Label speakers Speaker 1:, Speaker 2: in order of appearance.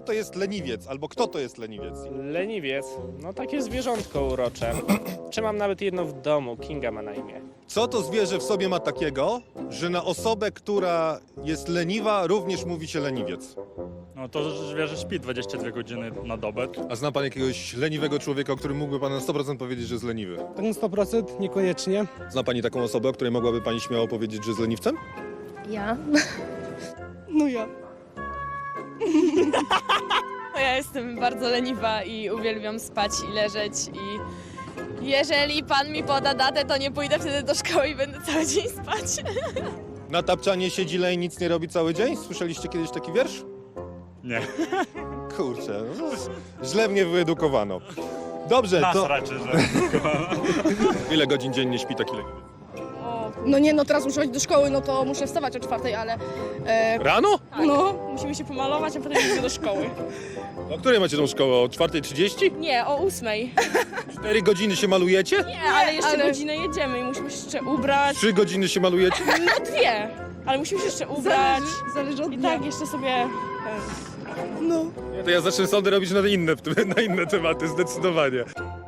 Speaker 1: to jest leniwiec, albo kto to jest leniwiec?
Speaker 2: Leniwiec, no takie zwierzątko urocze. Czy mam nawet jedno w domu, Kinga ma na imię.
Speaker 1: Co to zwierzę w sobie ma takiego, że na osobę, która jest leniwa, również mówi się leniwiec?
Speaker 3: No to zwierzę śpi 22 godziny na dobę.
Speaker 1: A zna pan jakiegoś leniwego człowieka, o którym mógłby pan na 100% powiedzieć, że jest leniwy?
Speaker 4: Tak na 100% niekoniecznie.
Speaker 1: Zna pani taką osobę, o której mogłaby pani śmiało powiedzieć, że jest leniwcem?
Speaker 5: Ja?
Speaker 4: No ja.
Speaker 5: Ja jestem bardzo leniwa i uwielbiam spać i leżeć i jeżeli pan mi poda datę, to nie pójdę wtedy do szkoły i będę cały dzień spać.
Speaker 1: Na tapczanie siedzi leń, nic nie robi cały dzień? Słyszeliście kiedyś taki wiersz?
Speaker 3: Nie.
Speaker 1: Kurczę, no, źle mnie wyedukowano. Dobrze,
Speaker 3: Nas
Speaker 1: to
Speaker 3: raczej, że...
Speaker 1: ile godzin dziennie śpi taki leniwiec?
Speaker 6: No nie, no teraz muszę chodzić do szkoły, no to muszę wstawać o 4, ale
Speaker 1: Rano?
Speaker 6: no, musimy się pomalować, a potem idę do szkoły.
Speaker 1: O której macie tą szkołę? O 4:30?
Speaker 6: Nie, o 8.
Speaker 1: 4 godziny się malujecie?
Speaker 6: Nie, ale jeszcze
Speaker 5: ale-
Speaker 6: godzinę jedziemy i musimy się jeszcze ubrać.
Speaker 1: 3 godziny się malujecie?
Speaker 6: No 2, ale musimy się jeszcze ubrać.
Speaker 4: Zależy od
Speaker 6: I
Speaker 4: dnia.
Speaker 6: tak jeszcze sobie...
Speaker 4: No.
Speaker 1: To ja zacznę sądy robić na inne tematy, zdecydowanie.